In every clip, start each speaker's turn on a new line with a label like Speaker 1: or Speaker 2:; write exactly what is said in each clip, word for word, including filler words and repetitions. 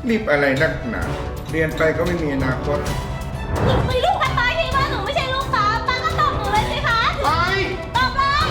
Speaker 1: รีบอะไรนักหนาเรียนไปก็ไม่มีอนาคต
Speaker 2: หนูมีลูกกันตายที่ว่าหนูไม่ใช่ลูกค้าป้าก็ตอบหนูเลยสิคะ
Speaker 1: ไป
Speaker 2: ตอบเลย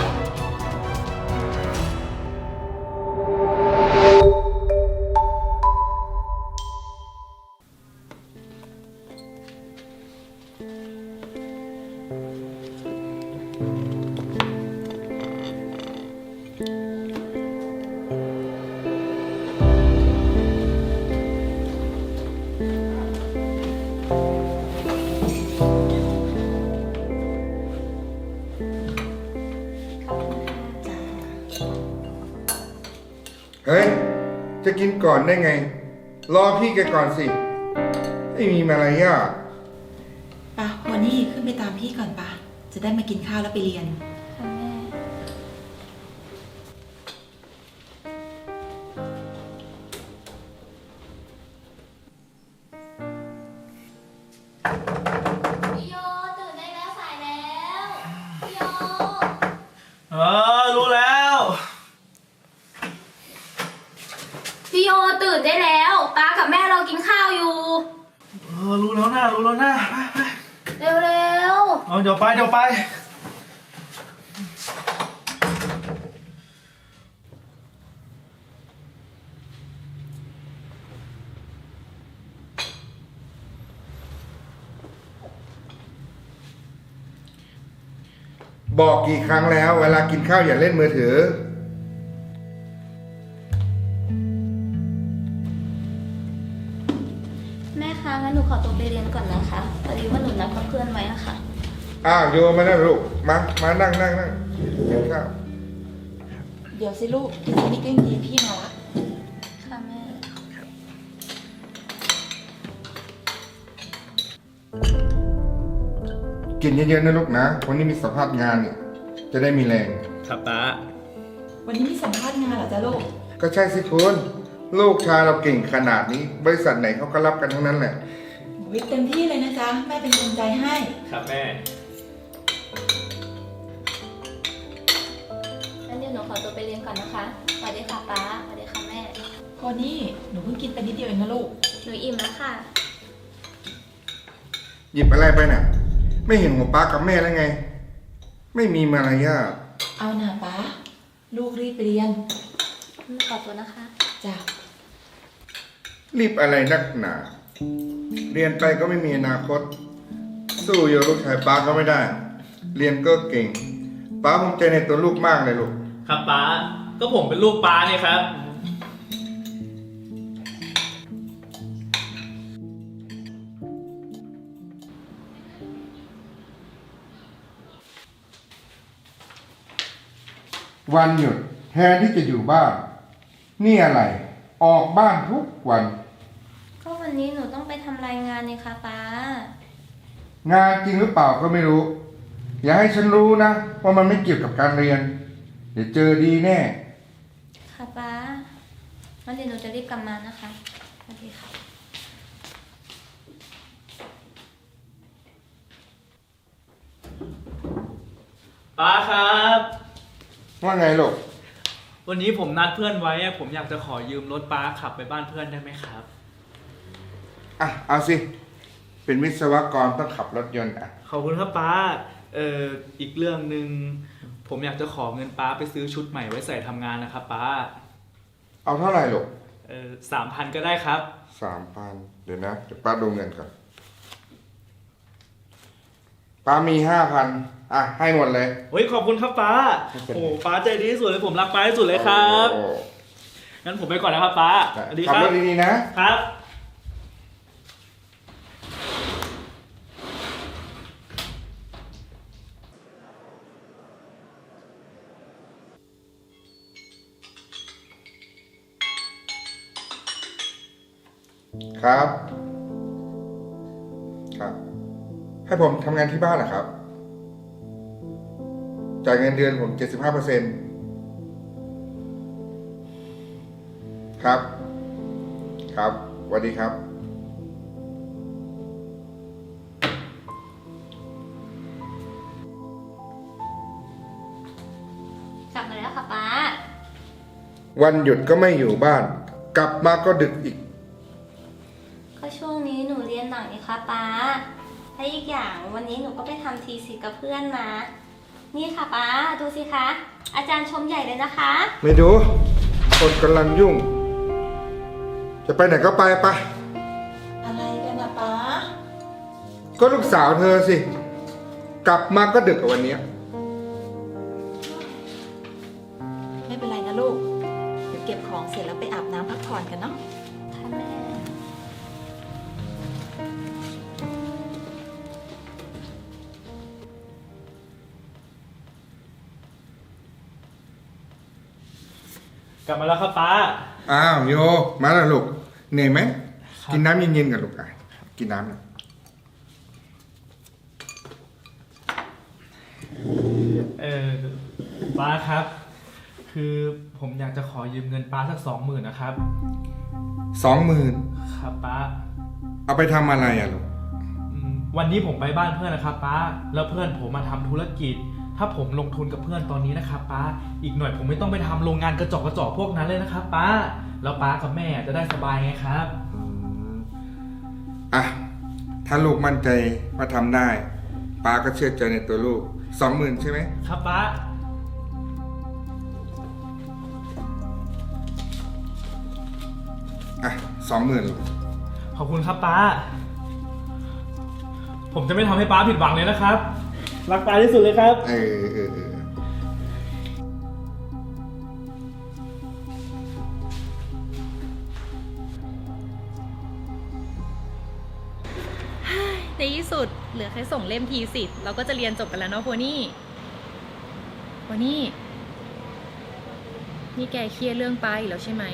Speaker 1: เฮ้ยจะกินก่อนได้ไงรอพี่แกก่อนสิไม่มีมารยาท
Speaker 3: ปะวันนี้ขึ้นไปตามพี่ก่อนปะจะได้มากินข้าวแล้วไปเรียน
Speaker 2: ค่ะแม่พี่โยตื่นได้แล้วสายแล้วพี่โย
Speaker 4: เออรู้แล้ว
Speaker 2: พี่โยตื่นได้แล้วป้ากับแม่เรากินข้าวอยู่
Speaker 4: เออรู้แล้วนะรู้แล้วนะไปไป
Speaker 2: เร็วเร็ว
Speaker 4: เอาเดี๋ยวไปเดี๋ยวไป
Speaker 1: บอกกี่ครั้งแล้วเวลากินข้าวอย่าเล่นมือถือ
Speaker 2: แม่คะงั้นหนูขอตัวไปเรียนก่อนนะคะพอดีว่าหนูนัดกับเพื่อนไว้อะค่ะ
Speaker 1: อ้าวโยมาแล้วลูกมามานั่งนั่งนั่งกินข้าว
Speaker 3: เดี๋ยวสิลูกพี่จะมีกิ้งยีพี่มาละ
Speaker 2: ค่ะแม่
Speaker 1: กินเยอะๆนะลูกนะวันนี้มีสัมภาษณ์งานเนี่ยจะได้มีแรง
Speaker 4: ครับป้า
Speaker 3: วันนี้มีสัมภาษณ์งานเหรอจ๊ะลูก
Speaker 1: ก็ใช่สิคุณลูกชายเราเก่งขนาดนี้บริษัทไหนเขาก็รับกันทั้งนั้นแหละ
Speaker 3: วิทย์เต็มที่เลยนะจ๊ะแม่เป็นกำลังใจให้
Speaker 4: ครับแม่
Speaker 2: งั้นเดี๋ยวหนูขอตัวไปเรียนก่อนนะคะสวัสดีค่ะป้าสวัสดีค่ะแม่
Speaker 3: พอนี่หนูเพิ่งกินไปนิดเดียวเองนะลูก
Speaker 2: หนูอิ่มแล้วค่ะ
Speaker 1: หยิบอะไรไปน่ะไม่เห็นหัวป้ากับแม่แล้วไงไม่มีมารยาท
Speaker 3: เอาหน่าป้าลูกรีบไปเรียน
Speaker 2: ขอตัวนะคะ
Speaker 3: จ้ะ
Speaker 1: รีบอะไรนักหนาเรียนไปก็ไม่มีอนาคตสู้โยลูกชายป้าก็ไม่ได้เรียนก็เก่งป้าภูมิใจในตัวลูกมากเลยลูก
Speaker 4: ครับป้าก็ผมเป็นลูกป้าเนี่ยครับ
Speaker 1: วันหยุดแทนที่จะอยู่บ้านนี่อะไรออกบ้านทุกวัน
Speaker 2: ก็วันนี้หนูต้องไปทำรายงานนี่ค่ะป้าง
Speaker 1: านจริงหรือเปล่าก็ไม่รู้อย่าให้ฉันรู้นะว่ามันไม่เกี่ยวกับการเรียนเดี๋ยวเจอดีแน่
Speaker 2: ค่ะป้าวันนี้หนูจะรีบกลับมานะคะสวัสดีค่ะ
Speaker 4: ป้าครับ
Speaker 1: ว่าไงลูก
Speaker 4: วันนี้ผมนัดเพื่อนไว้ผมอยากจะขอยืมรถป้าขับไปบ้านเพื่อนได้ไหมครับ
Speaker 1: อ่ะเอาสิเป็นวิศวกรต้องขับรถยนต์อ่ะ
Speaker 4: ขอบคุณครับป้าเอ่ออีกเรื่องหนึ่งผมอยากจะขอเงินป้าไปซื้อชุดใหม่ไว้ใส่ทำงานนะครับป้า
Speaker 1: เอาเท่าไหร่ลูก
Speaker 4: เออสามพันก็ได้ครับ
Speaker 1: สามพันเดี๋ยวนะเดี๋ยวป้าดูเงินก่อนป้ามีห้าพันอ่ะให้หมดเลย
Speaker 4: เฮ้ยขอบคุณครับป้าโอ้ป้าใจดีที่สุดเลยผมรักป้าที่สุดเลยครับงั้นผมไปก่อนนะครับป้า
Speaker 1: สวัสดีครับขับรถดีๆนะครับครับครับให้ผมทำงานที่บ้านเหรอครับจ่ายเงินเดือนผม เจ็ดสิบห้าเปอร์เซ็นต์ ครับครับสวัสดีครับ
Speaker 2: กลับมาแล้วค่ะป้า
Speaker 1: วันหยุดก็ไม่อยู่บ้านกลับมาก็ดึกอีก
Speaker 2: คะป้าและอีกอย่างวันนี้หนูก็ไปทำทีสิกับเพื่อนมา นี่ค่ะป้าดูสิคะ อาจารย์ชมใหญ่เลยนะคะ
Speaker 1: ไม่ดู คนกำลังยุ่ง จะไปไหนก็ไปไป
Speaker 3: อะไรกันนะป้า
Speaker 1: ก็ลูกสาวเธอสิ กลับมาก็ดึกกว่าวันเนี้ย
Speaker 3: ไม่เป็นไรนะลูก เดี๋ยวเก็บของเสร็จแล้วไปอาบน้ำพักผ่อนกันเนาะ
Speaker 2: ค่ะแม่
Speaker 4: กลับมาแล้วครับป้า
Speaker 1: อ้าวโย มาแล้วลูก เหนื่อยไหม
Speaker 4: ครับ
Speaker 1: กินน้ำเย็นๆกันลูกอ่ะกินน้ำหน่อย
Speaker 4: เออป้าครับ คือผมอยากจะขอยืมเงินป้าสักสองหมื่นนะครับ
Speaker 1: สองหมื่น
Speaker 4: ครับป้า
Speaker 1: เอาไปทำอะไรอ่ะลูก
Speaker 4: อืมวันนี้ผมไปบ้านเพื่อนนะครับป้า แล้วเพื่อนผมมาทำธุรกิจ ถ้าผมลงทุนกับเพื่อนตอนนี้นะครับป้า อีกหน่อยผมไม่ต้องไปทำโรงงานกระจอกกระจอกพวกนั้นเลยนะครับป้า แล้วป้ากับแม่จะได้สบายไงครับ
Speaker 1: อ่ะ ถ้าลูกมั่นใจว่าทำได้ป้าก็เชื่อใจในตัวลูกสองหมื่นใช่ไหม
Speaker 4: ครับป้า
Speaker 1: อ่ะสองหมื่นลูก
Speaker 4: ขอบคุณครับป้า ผมจะไม่ทำให้ป้าผิดหวังเลยนะครับ รักป้าที่สุดเลยครับ
Speaker 1: เออเออเออ
Speaker 5: ในที่สุดเหลือแค่ส่งเล่มทีสิทธิ์เราก็จะเรียนจบกันแล้วเนาะโพนี่โพนี่นี่แกเครียดเรื่องป้าอีกแล้วใช่ไหม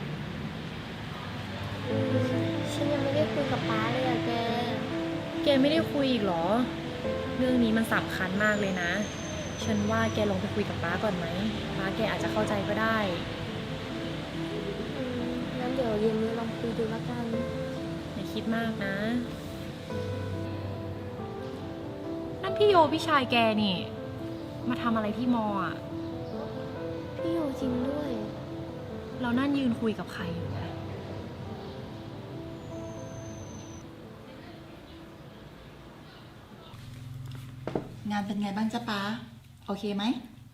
Speaker 2: ฉันยังไม่ได้คุยกับป้าเลยอะแก
Speaker 5: แกไม่ได้คุยอีกเหรอ เรื่องนี้มันสำคัญมากเลยนะ ฉันว่าแกลองไปคุยกับป้าก่อนไหมป้าแกอาจจะเข้าใจก็ได้
Speaker 2: อืมงั้นเดี๋ยวเย็นนี้ลองคุยดูแล้วกัน
Speaker 5: อย่าคิดมากนะ นั่นพี่โยพี่ชายแกนี่ มาทำอะไรที่มออ่ะ
Speaker 2: พี่โยจริงด้วย
Speaker 5: เรานั่นยืนคุยกับใครอยู่นะ
Speaker 3: งานเป็นไงบ้างจ๊ะป้า โอเคไหม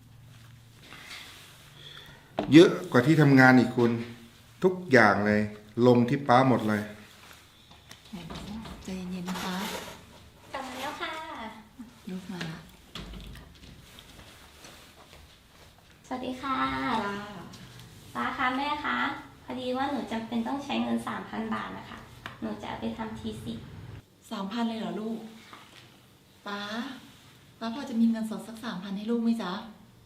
Speaker 1: เยอะกว่าที่ทำงานอีกคุณ ทุกอย่างเลย ลงที่ป้าหมดเลย
Speaker 3: ใจเย็นๆนะป้าก
Speaker 2: ลับมาแล้วค่ะ
Speaker 3: ลูกมาละ
Speaker 2: สวัสดีค่ะ ป้าคะแม่คะพอดีว่าหนูจำเป็นต้องใช้เงินสามพันบาทนะคะ หนูจะเอาไปทำทีสิ
Speaker 3: สามพันเลยเหรอลูก ป้า ป้าพอจะมีเงินสดสักสามพันให้ลูกไหมจ๊ะ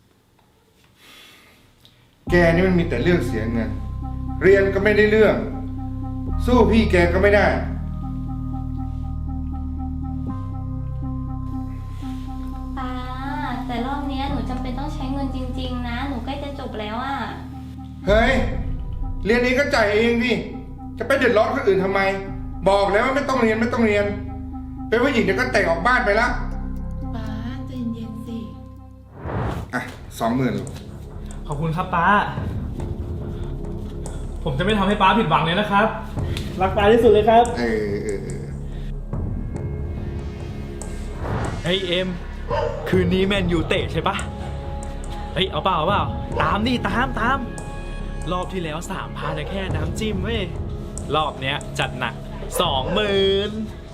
Speaker 1: แกนี่มันมีแต่เรื่องเสียเงิน เรียนก็ไม่ได้เรื่อง สู้พี่แกก็ไม่ได้
Speaker 2: ป้า แต่รอบเนี้ยหนูจำเป็นต้องใช้เงินจริงๆนะ หนูใกล้จะจบแล้วอะ
Speaker 1: เฮ้ย เรียนนี้ก็จ่ายเองดิ จะไปเดือดร้อนคนอื่นทำไม บอกแล้วว่าไม่ต้องเรียนไม่ต้องเรียน เป็นผู้หญิงเดี๋ยวก็แต่งออกบ้านไปละ
Speaker 3: ป้าใจเย็นๆสิ
Speaker 1: อ่ะสองหมื่น
Speaker 4: ขอบคุณครับป้า ผมจะไม่ทำให้ป้าผิดหวังเลยนะครับ รักป้าที่สุดเลยครับ
Speaker 1: เออเออเออ
Speaker 4: เฮ้ยเอ็ม คืนนี้แมนยูเตะใช่ปะเฮ้ยเอาเปล่าเอาเปล่า ตามดิตามตาม รอบที่แล้วสามพันแค่น้ำจิ้มเว้ย รอบเนี้ยจัดหนักสองหมื่น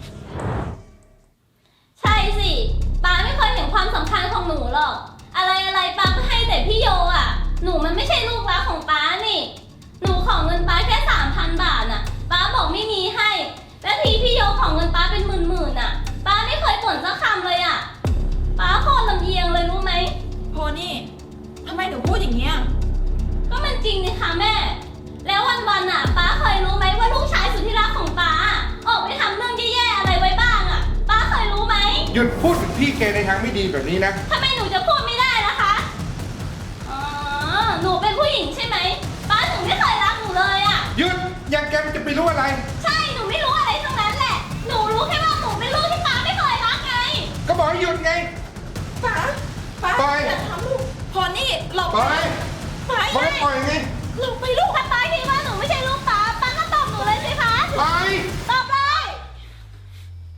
Speaker 2: ใช่สิ ป้าไม่เคยเห็นความสำคัญของหนูหรอก อะไรอะไรป้าก็ให้แต่พี่โยอ่ะ หนูมันไม่ใช่ลูกรักของป้านี่ หนูขอเงินป้าแค่สามพันบาทน่ะ ป้าบอกไม่มีให้ แล้วทีพี่โยขอเงินป้าเป็นหมื่นๆน่ะ ป้าไม่เคยบ่นสักคำเลยอ่ะ ป้าโคตรลำเอียงเลยรู้ไหม
Speaker 3: โพนี่ทำไมหนูพูดอย่างเงี้ย
Speaker 2: ก็มันจริงนี่คะแม่ แล้ววันๆน่ะ ป้าเคยรู้ไหมว่าลูกชายสุดที่รักของป้าออกไปทำเรื่องแย่ๆอะไรไว้บ้างอ่ะ ป้าเคยรู้ไหม
Speaker 1: หยุดพูดถึงพี่แกในทางไม่ดีแบบนี้นะ
Speaker 2: ทำไมหนูจะพูดไม่ได้ล่ะคะ อ๋อ หนูเป็นผู้หญิงใช่ไหม ป้าถึงไม่เคยรักหนูเลยอ่ะ
Speaker 1: หยุดอย่างแกมันจะไปรู้อะไร
Speaker 2: ใช่ หนูไม่รู้อะไรทั้งนั้นแหละ หนูรู้แค่ว่าหนูเป็นลูกที่ป้าไม่เคยรักไง
Speaker 1: ก็บอกให้หยุดไง
Speaker 3: ป้า ป้า
Speaker 1: ปล่อย
Speaker 3: อย่าทำลูกโพนี่หลบ
Speaker 1: ปล่อย
Speaker 3: ป้า
Speaker 1: บอกให้ปล่อยไง
Speaker 3: หลบไปลูก
Speaker 2: ถ้าป้าคิดว่าหนูไม่ใช่ลูกป้า ป้าก็ตอบหนูเลยสิคะ
Speaker 1: ปล่อย
Speaker 2: ตอบเลย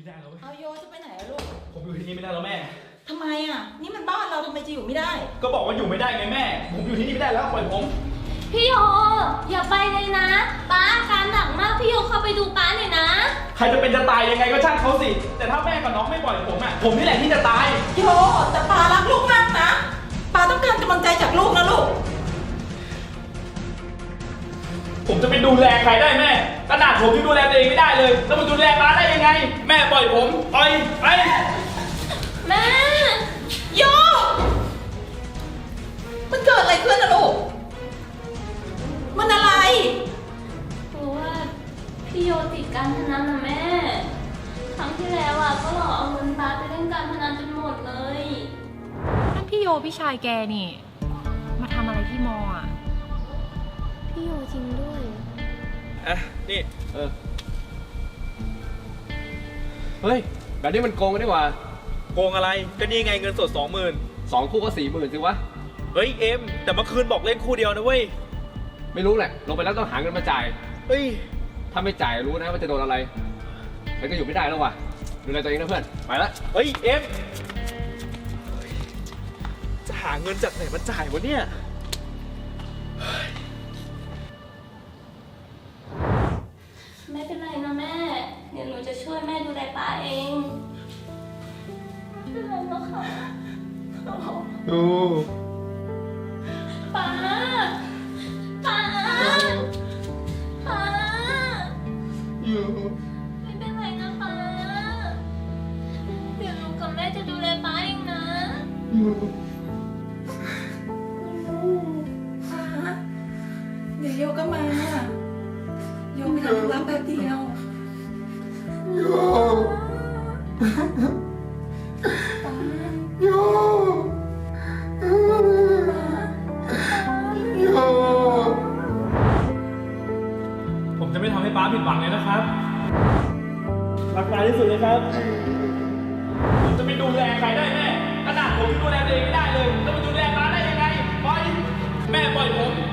Speaker 4: ไม่ได้แล้วเว้ย
Speaker 3: เอาโยจะไปไหนอะลูก
Speaker 4: ผมอยู่ที่นี่ไม่ได้แล้วแม่
Speaker 3: ทำไมอะนี่มันบ้านเราทำไมจะอยู่ไม่ได้
Speaker 4: ก็บอกว่าอยู่ไม่ได้ไงแม่ ผมอยู่ที่นี่ไม่ได้แล้วปล่อยผม
Speaker 2: พี่โยอย่าไปเลยนะป้าอาการหนักมากพี่โยเข้าไปดูป้าหน่อยนะ
Speaker 4: ใครจะเป็นจะตายยังไงก็ช่างเขาสิ แต่ถ้าแม่กับน้องไม่ปล่อยผมอ่ะ ผมนี่แหละที่จะตาย
Speaker 3: โยแต่ปารักลูกมากนะปาต้องการกำลังใจจากลูกนะลูก
Speaker 4: ผมจะไปดูแลใครได้แม่ขนาดผมยังดูแลตัวเองไม่ได้เลย แล้วมาดูแลป้าได้ยังไง แม่ปล่อยผมปล่อยไป
Speaker 2: แม่
Speaker 3: โยมันเกิดอะไรขึ้นนะลูก มันอะไร
Speaker 2: คือว่าพี่โยติดการพนันนะแม่ ครั้งที่แล้วอ่ะก็หลอกเอาเงินป้าไปเล่นการพนันจนหมดเลย
Speaker 5: นั่นพี่โยพี่ชายแกนี่ มาทำอะไรที่มออ่ะ
Speaker 2: พี่โยจริงด้วย
Speaker 4: อ่ะ นี่
Speaker 6: เออ เฮ้ย แบบนี้มันโกงกันดีกว่า
Speaker 4: โกงอะไร ก็นี่ไงเงินสดสองหมื่น
Speaker 6: สองคู่ก็สี่หมื่นสิวะ
Speaker 4: เฮ้ยเอ็ม แต่เมื่อคืนบอกเล่นคู่เดียวนะเว้ย
Speaker 6: ไม่รู้แหละ ลงไปแล้วต้องหาเงินมาจ่าย
Speaker 4: เฮ้ย
Speaker 6: ถ้าไม่จ่ายรู้นะว่าจะโดนอะไรฉันก็อยู่ไม่ได้แล้วว่ะ ดูแลตัวเองนะเพื่อน ไปละ
Speaker 4: เฮ้ยเอ็ม จะหาเงินจากไหนมาจ่ายวะเนี่ย
Speaker 2: ไม่เป็นไรนะแม่ เดี๋ยวหนูจะช่วยแม่ดูแลป้าเองไม่เป็นไรหรอกค่ะ
Speaker 1: ดู
Speaker 2: ป้า ป้า ป้า
Speaker 1: อยู่
Speaker 2: ไม่เป็นไรนะป้า เดี๋ยวหนูกับแม่จะดูแลป้าเองนะ
Speaker 1: อยู่
Speaker 3: เดี๋ยวโยก็มา โยไปทำธุระแป๊บเดียว
Speaker 1: อยู่อยู่อยู่
Speaker 4: ผมจะไม่ทำให้ป้าผิดหวังเลยนะครับ รักป้าที่สุดเลยครับ ผมจะไปดูแลใครได้แม่ขนาดผมยังดูแลตัวเองไม่ได้เลย แล้วมาดูแลป้าได้ยังไง ปล่อย แม่ปล่อยผม